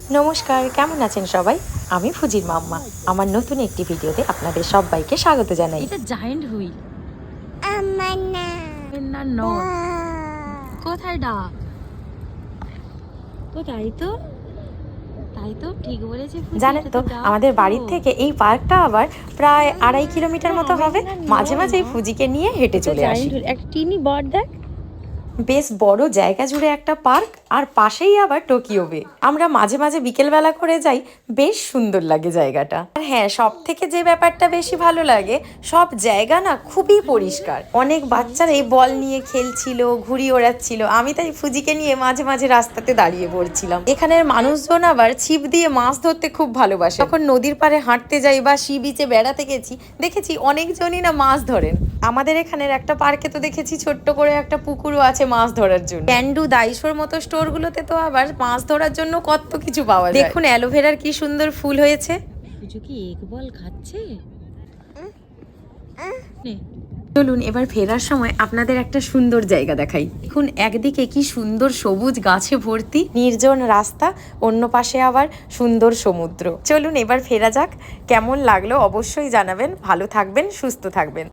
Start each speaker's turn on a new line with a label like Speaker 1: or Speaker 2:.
Speaker 1: নমস্কার, কেমন আছেন সবাই? আমি ফুজির মাম্মা। আমার নতুন একটি ভিডিওতে আপনাদের সবাইকে স্বাগত জানাই।
Speaker 2: এটা জায়ান্ট হুইল।
Speaker 3: আমার না
Speaker 2: না নট। কোথায় ডাক? তো তাই তো, তাই তো ঠিক বলেছে ফুজি।
Speaker 1: জানেন
Speaker 2: এটা
Speaker 1: তো
Speaker 2: ডাক
Speaker 1: আমাদের
Speaker 2: তো।
Speaker 1: বাড়ির থেকে এই পার্কটা আবার প্রায় 2.5 কিলোমিটার মতো হবে। মাঝে মাঝেই ফুজিকে নিয়ে হেঁটে চলে আসি।
Speaker 2: একটা টিনি বট দেখ।
Speaker 1: বেশ বড় জায়গা জুড়ে একটা পার্ক, আর পাশেই আবার টোকিও বে। আমরা মাঝে মাঝে বিকেলবেলা করে যাই, বেশ সুন্দর লাগে জায়গাটা। আর হ্যাঁ, সব থেকে যে ব্যাপারটা বেশি ভালো লাগে, সব জায়গা না খুবই পরিষ্কার। অনেক বাচ্চারা এই বল নিয়ে খেলছিল, ঘুড়ি ওড়াচ্ছিল। আমি তাই ফুজিকে নিয়ে মাঝে মাঝে রাস্তাতে দাঁড়িয়ে পড়ছিলাম। এখানের মানুষজন আবার ছিপ দিয়ে মাছ ধরতে খুব ভালোবাসে। যখন নদীর পাড়ে হাঁটতে যাই বা সি বিচে বেড়াতে গেছি, দেখেছি অনেকজনই না মাছ ধরেন। আমাদের এখানের একটা পার্কে তো দেখেছি ছোট্ট করে একটা পুকুরও আছে মাছ ধরার জন্য। ক্যান্ডু, দাইসোর মতো স্টোরগুলোতে তো আবার মাছ ধরার জন্য কত কিছু পাওয়া যায়। দেখুন অ্যালোভেরার কি সুন্দর ফুল হয়েছে।
Speaker 2: ফুজু কি এক বল খাচ্ছে? নে।
Speaker 1: চলুন এবার ফেরার সময় আপনাদের একটা সুন্দর জায়গা দেখাই। দেখুন একদিকে কি সুন্দর সবুজ গাছে ভর্তি নির্জন রাস্তা, অন্য পাশে আবার সুন্দর সমুদ্র। চলুন এবার ফেরা যাক। কেমন লাগলো অবশ্যই জানাবেন। ভালো থাকবেন, সুস্থ থাকবেন।